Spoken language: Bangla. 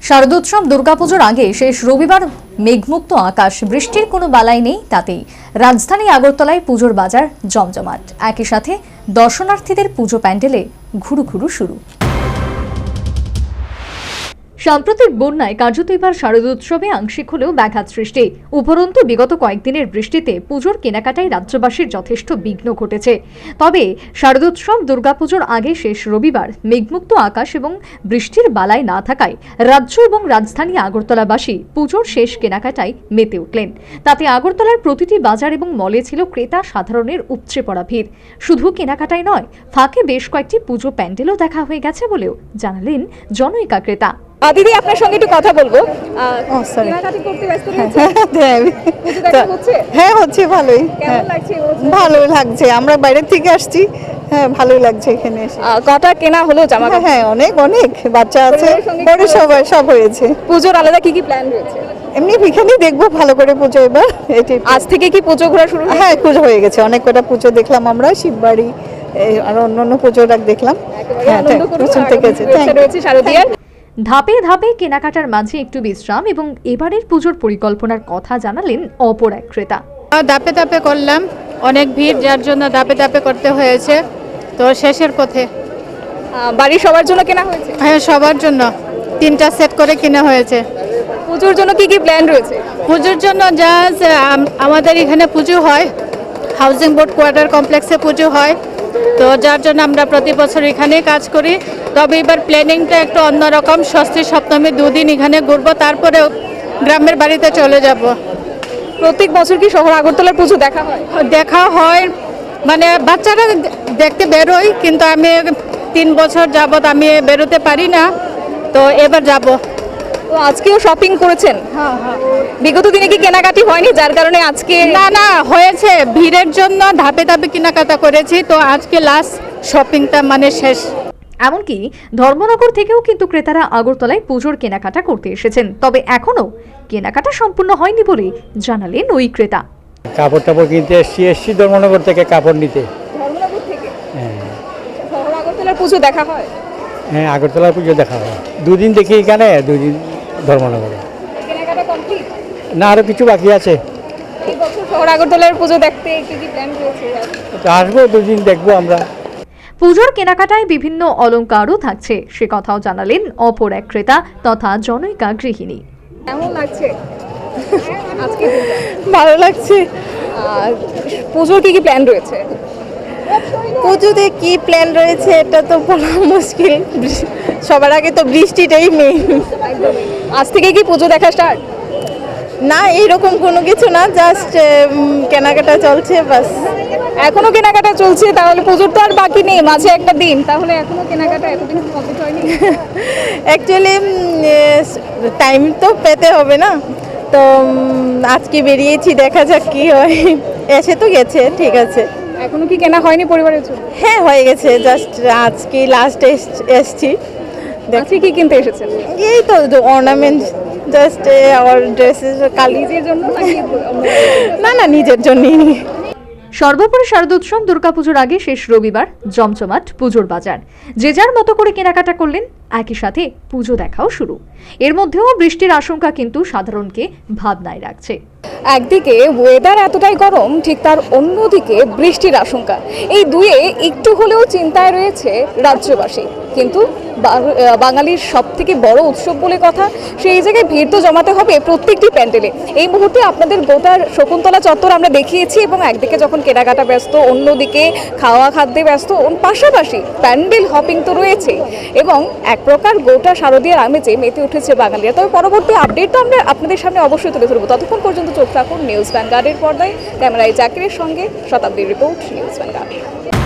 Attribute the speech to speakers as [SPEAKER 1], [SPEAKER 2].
[SPEAKER 1] শারদোৎসব দুর্গাপুজোর আগে শেষ রবিবার মেঘমুক্ত আকাশ, বৃষ্টির কোনো বালাই নেই। তাতেই রাজধানী আগরতলায় পুজোর বাজার জমজমাট। একই সাথে দর্শনার্থীদের পুজো প্যান্ডেলে ঘুরু শুরু। সাম্প্রতিক বন্যায় কার্যত এবার শারদোৎসবে আংশিক হলেও ব্যাঘাত সৃষ্টি। উপরন্তু বিগত কয়েকদিনের বৃষ্টিতে পুজোর কেনাকাটায় রাজ্যবাসীর যথেষ্ট বিঘ্ন ঘটেছে। তবে শারদোৎসব দুর্গাপুজোর আগে শেষ রবিবার মেঘমুক্ত আকাশ এবং বৃষ্টির বালাই না থাকায় রাজ্য এবং রাজধানী আগরতলাবাসী পুজোর শেষ কেনাকাটায় মেতে উঠলেন। তাতে আগরতলার প্রতিটি বাজার এবং মলে ছিল ক্রেতা সাধারণের উপচে পড়া ভিড়। শুধু কেনাকাটাই নয়, ফাঁকে বেশ কয়েকটি পুজো প্যান্ডেলও দেখা হয়ে গেছে বলেও জানালেন জনৈকা ক্রেতা।
[SPEAKER 2] দিদি, আপনার সঙ্গে একটু কথা বলবো।
[SPEAKER 3] কেনাকাটা
[SPEAKER 2] করতে ব্যস্ত রয়েছে?
[SPEAKER 3] হ্যাঁ, হচ্ছে ভালোই।
[SPEAKER 2] কেমন লাগছে?
[SPEAKER 3] ভালো লাগছে, আমরা বাইরে থেকে আসছি। হ্যাঁ, ভালোই লাগছে এখানে এসে।
[SPEAKER 2] কটা কেনা হলো জামা কাপড়?
[SPEAKER 3] হ্যাঁ, অনেক বাচ্চা আছে, বড় সব হয়েছে।
[SPEAKER 2] পুজোর আলাদা কি প্ল্যান রয়েছে?
[SPEAKER 3] এমনি এখানে দেখবো ভালো করে পুজো এবার।
[SPEAKER 2] আজ থেকে কি পুজো ঘোরা শুরু?
[SPEAKER 3] হ্যাঁ, পুজো হয়ে গেছে, অনেক কটা পুজো দেখলাম আমরা, শিববাড়ি আর অন্যান্য পুজো দেখলাম।
[SPEAKER 2] শারদীয়ার
[SPEAKER 1] ধাপে ধাপে কেনাকাটার মাঝে একটু বিশ্রাম এবং এবারের পুজোর পরিকল্পনার কথা জানালেন অপর এক ক্রেতা।
[SPEAKER 4] ধাপে ধাপে করলাম, অনেক ভিড়, যার জন্য ধাপে ধাপে করতে হয়েছে। তো শেষের পথে।
[SPEAKER 2] বাড়ির সবার জন্য কেনা হয়েছে?
[SPEAKER 4] হ্যাঁ, সবার জন্য 3টা সেট করে কেনা হয়েছে।
[SPEAKER 2] পুজোর জন্য কি প্ল্যান রয়েছে?
[SPEAKER 4] পুজোর জন্য যা আমাদের এখানে পুজো হয়, হাউজিং বোর্ড কোয়ার্টার কমপ্লেক্সে পুজো হয়, তো যার জন্য আমরা প্রতি বছর এখানেই কাজ করি। তবে এবার প্ল্যানিংটা একটু অন্যরকম। ষষ্ঠী সপ্তমী 2 দিন এখানে ঘুরবো, তারপরে গ্রামের বাড়িতে চলে যাব।
[SPEAKER 2] প্রত্যেক বছর কি শহর আগরতলার পুজো দেখা হয়?
[SPEAKER 4] দেখা হয়, মানে বাচ্চারা দেখতে বেরোয়, কিন্তু আমি 3 বছর যাবত আমি বেরোতে পারি না, তো এবার যাব।
[SPEAKER 2] তো আজকেও শপিং করেছেন?
[SPEAKER 4] হ্যাঁ।
[SPEAKER 2] বিগত দিনে কি কেনাকাটি হয়নি যার কারণে আজকে?
[SPEAKER 4] না, হয়েছে, ভিড়ের জন্য ধাপে ধাপে কেনাকাটা করেছি, তো আজকে লাস্ট শপিংটা মানে শেষ।
[SPEAKER 1] এমনকি ধর্মনগর থেকেও কিন্তু ক্রেতারা আগরতলায় পুজোর কেনাকাটা করতে এসেছেন। তবে এখনো কেনাকাটা সম্পূর্ণ হয়নি বলে জানালেন ওই ক্রেতা।
[SPEAKER 5] কাপড় কিনতে এসছি ধর্মনগর থেকে কাপড় নিতে।
[SPEAKER 2] ধর্মনগর থেকে?
[SPEAKER 5] হ্যাঁ।
[SPEAKER 2] শহর আগরতলার পুজো দেখা হয়?
[SPEAKER 5] হ্যাঁ, আগরতলার পুজো দেখা হয়। 2 দিন দেখি এখানে, 2 দিন ধর্মনগরে।
[SPEAKER 2] কেনাকাটা কমপ্লিট?
[SPEAKER 5] না, আরো কিছু বাকি আছে।
[SPEAKER 2] এই বছর শহর আগরতলার পুজো দেখতে কি প্ল্যান রয়েছে?
[SPEAKER 5] তো আসবো, 2 দিন দেখবো আমরা।
[SPEAKER 1] পুজোর কেনাকাটায় বিভিন্ন অলংকারও থাকছে, সে কথাও জানালেন অপর এক ক্রেতা তথা জনৈকা গৃহিণী।
[SPEAKER 2] কেমন লাগছে আজকে?
[SPEAKER 3] ভালো লাগছে।
[SPEAKER 2] পুজোর কি প্ল্যান রয়েছে?
[SPEAKER 3] পুজোতে কি প্ল্যান রয়েছে এটা তো বলা মুশকিল। সবার আগে তো বৃষ্টিটাই মেইন।
[SPEAKER 2] আজ থেকে কি পুজো দেখা স্টার্ট?
[SPEAKER 3] না, এইরকম কোনো কিছু না, জাস্ট কেনাকাটা চলছে বাস।
[SPEAKER 2] এখনো কেনাকাটা চলছে? তাহলে পুজোর তো আর বাকি নেই, মাঝে একটা দিন, তাহলে এখনো কেনাকাটা এতদিন কমপ্লিট হয়নি?
[SPEAKER 3] অ্যাকচুয়ালি টাইম তো পেতে হবে না, তো আজকে বেরিয়েছি, দেখা যাক কি হয়। এসে তো গেছে, ঠিক আছে।
[SPEAKER 2] এখনো কি কেনা হয়নি পরিবারের জন্য?
[SPEAKER 3] হ্যাঁ, হয়ে গেছে, জাস্ট আজকে লাস্ট এসছি।
[SPEAKER 2] আজকে কি কিনতে এসেছেন?
[SPEAKER 3] এই তো অর্নামেন্ট, জাস্ট আমার ড্রেসেস।
[SPEAKER 2] নিজের জন্য নাকি?
[SPEAKER 3] না, নিজের জন্যই।
[SPEAKER 1] সর্বোপরি শারদোৎসব দুর্গাপুজোর আগে শেষ রবিবার জমজমাট পুজোর বাজার। যে যার মতো করে কেনাকাটা করলেন, একই সাথে পুজো দেখাও শুরু। এর মধ্যেও বৃষ্টির আশঙ্কা কিন্তু সাধারণকে ভাবনায় রাখছে।
[SPEAKER 2] একদিকে ওয়েদার এতটাই গরম, ঠিক তার অন্যদিকে বৃষ্টির আশঙ্কা। এই দুয়ে একটু হলেও চিন্তায় রয়েছে রাজ্যবাসী। কিন্তু বাঙালির সব থেকে বড় উৎসব বলে কথা, সেই জায়গায় ভিড় তো জমাতে হবে প্রত্যেকটি প্যান্ডেলে। এই মুহূর্তে আপনাদের গোটার শকুন্তলা চত্বর আমরা দেখিয়েছি, এবং একদিকে যখন কেনাকাটা ব্যস্ত, অন্যদিকে খাওয়া খাদ্যে ব্যস্ত, পাশাপাশি প্যান্ডেল হপিং তো রয়েছে, এবং এক প্রকার গোটা শারদীয়ার আমেজে মেতে উঠেছে বাঙালিরা। তবে পরবর্তী আপডেট তো আমরা আপনাদের সামনে অবশ্যই তুলে ধরবো। ততক্ষণ পর্যন্ত চোখ রাখুন নিউজ ভ্যানগার্ডের পর্দায়। ক্যামেরায় জাকিরের সঙ্গে শতাব্দীর রিপোর্ট, নিউজ ভ্যানগার্ড।